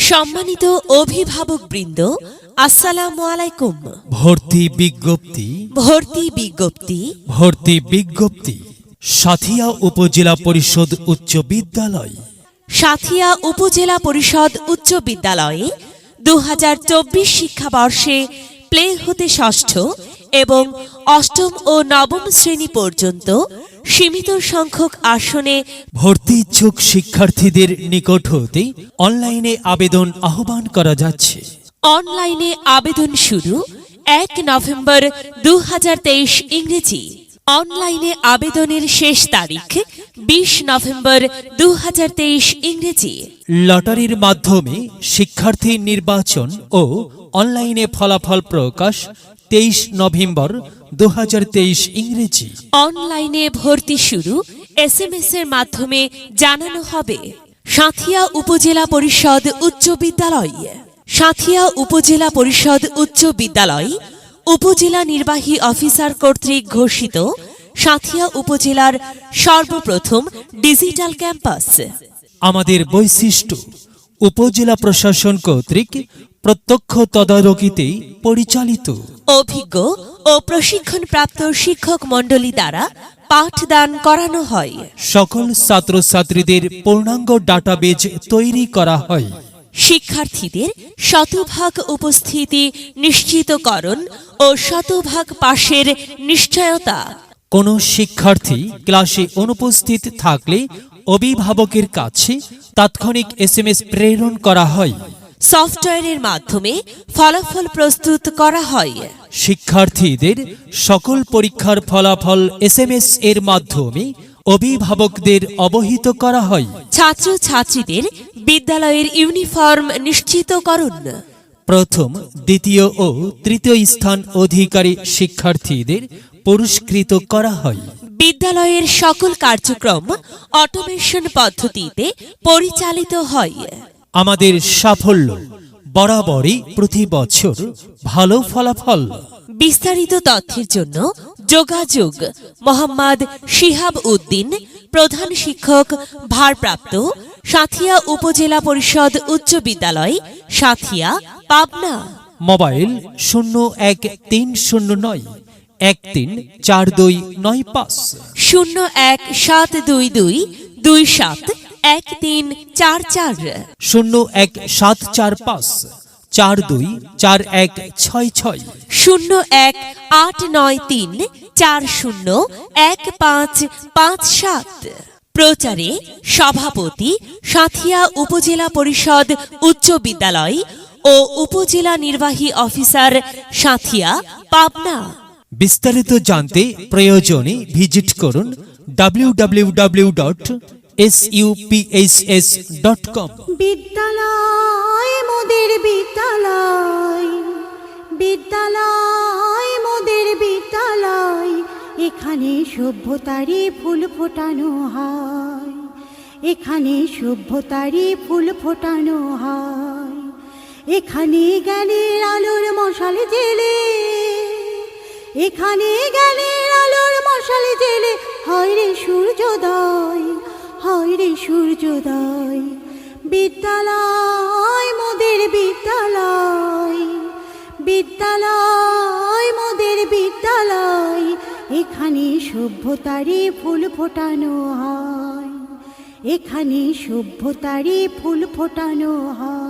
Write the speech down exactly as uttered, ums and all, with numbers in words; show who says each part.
Speaker 1: সম্মানিত অভিভাবকবৃন্দ, আসসালামু আলাইকুম।
Speaker 2: ভর্তি বিজ্ঞপ্তি
Speaker 1: ভর্তি বিজ্ঞপ্তি
Speaker 2: ভর্তি বিজ্ঞপ্তি সাথিয়া উপজেলা পরিষদ উচ্চ বিদ্যালয়।
Speaker 1: সাথিয়া উপজেলা পরিষদ উচ্চ বিদ্যালয়ে দু হাজার চব্বিশ শিক্ষাবর্ষে প্লে হতে ষষ্ঠ এবং অষ্টম ও নবম শ্রেণী পর্যন্ত সীমিত সংখ্যক আসনে
Speaker 2: ভর্তি ইচ্ছুক শিক্ষার্থীদের নিকট হতে অনলাইনে আবেদন আহ্বান করা যাচ্ছে।
Speaker 1: অনলাইনে আবেদন শুরু এক নভেম্বর দু হাজার তেইশ ইংরেজি। অনলাইনে আবেদনের শেষ তারিখ বিশ নভেম্বর দু হাজার তেইশ ইংরেজি।
Speaker 2: লটারির মাধ্যমে শিক্ষার্থী নির্বাচন ও অনলাইনে ফলাফল প্রকাশ তেইশ নভেম্বর দু হাজার তেইশ ইংরেজি।
Speaker 1: অনলাইনে ভর্তি শুরু এস এম এস এর মাধ্যমে জানানো হবে। সাথিয়া উপজেলা পরিষদ উচ্চ বিদ্যালয়। সাথিয়া উপজেলা পরিষদ উচ্চ বিদ্যালয় উপজেলা নির্বাহী অফিসার কর্তৃক ঘোষিত সাথিয়া উপজেলার সর্বপ্রথম ডিজিটাল ক্যাম্পাস।
Speaker 2: আমাদের বৈশিষ্ট্য উপজেলা প্রশাসন কর্তৃক প্রত্যক্ষ তদারকিতে পরিচালিত,
Speaker 1: অভিজ্ঞ ও প্রশিক্ষণপ্রাপ্ত শিক্ষক মণ্ডলী দ্বারা পাঠদান করানো হয়।
Speaker 2: সকল ছাত্রছাত্রীদের পূর্ণাঙ্গ ডাটাবেজ তৈরি করা হয়।
Speaker 1: শিক্ষার্থীদের শতভাগ উপস্থিতি নিশ্চিতকরণ ও শতভাগ পাশের নিশ্চয়তা।
Speaker 2: কোনো শিক্ষার্থী ক্লাসে অনুপস্থিত থাকলে অভিভাবকের কাছে তাৎক্ষণিক এস এম এস প্রেরণ করা হয়।
Speaker 1: সফটওয়্যারের মাধ্যমে ফলাফল প্রস্তুত করা হয়।
Speaker 2: শিক্ষার্থীদের সকল পরীক্ষার ফলাফল এস এম এস এর মাধ্যমে অভিভাবকদের অবহিত করা হয়।
Speaker 1: ছাত্র ছাত্রীদের বিদ্যালয়ের ইউনিফর্ম নিশ্চিতকরণ।
Speaker 2: প্রথম, দ্বিতীয় ও তৃতীয় স্থান অধিকারী শিক্ষার্থীদের পুরস্কৃত করা হয়।
Speaker 1: বিদ্যালয়ের সকল কার্যক্রম অটোমেশন পদ্ধতিতে পরিচালিত হয়।
Speaker 2: আমাদের সাফল্য বরাবরই প্রতি বছর ভালো ফলাফল।
Speaker 1: বিস্তারিত তথ্যের জন্য যোগাযোগ মোহাম্মদ শিহাব উদ্দিন, প্রধান শিক্ষক ভারপ্রাপ্ত, সাথিয়া উপজেলা পরিষদ উচ্চ বিদ্যালয়, সাথিয়া, পাবনা।
Speaker 2: মোবাইল শূন্য এক তিন শূন্য নয় এক তিন চার দুই নয় পাঁচ,
Speaker 1: শূন্য এক সাত দুই দুই দুই সাত এক তিন চার চার,
Speaker 2: শূন্য এক সাত চার পাঁচ চার দুই চার এক ছয় ছয়,
Speaker 1: শূন্য এক আট নয় তিন চার শূন্য এক পাঁচ পাঁচ সাত। প্রচারে সভাপতি সাথিয়া উপজেলা পরিষদ উচ্চ বিদ্যালয় ও উপজেলা নির্বাহী অফিসার, সাথিয়া, পাবনা।
Speaker 2: বিস্তারিত জানতে প্রয়োজনে ভিজিট করুন W W W dot S U P H S dot com.
Speaker 3: বিদ্যালয় মোদের বিদ্যালয়, বিদ্যালয় মোদের বিদ্যালয়, এখানে সভ্যতারই ফুল ফোটানো হয়, এখানে সভ্যতারই ফুল ফোটানো হয়। এখানে জ্ঞানের আলোর মশাল জেলে, এখানে জ্ঞানের আলোর মশাল জেলে হয় রে সূর্যোদয়, হয় রে সূর্যোদয়। বিদ্যালয় মোদের বিদ্যালয়, বিদ্যালয় মোদের বিদ্যালয়, এখানে সভ্যতারই ফুল ফোটানো হয়, এখানে সভ্যতারই ফুল ফোটানো হয়।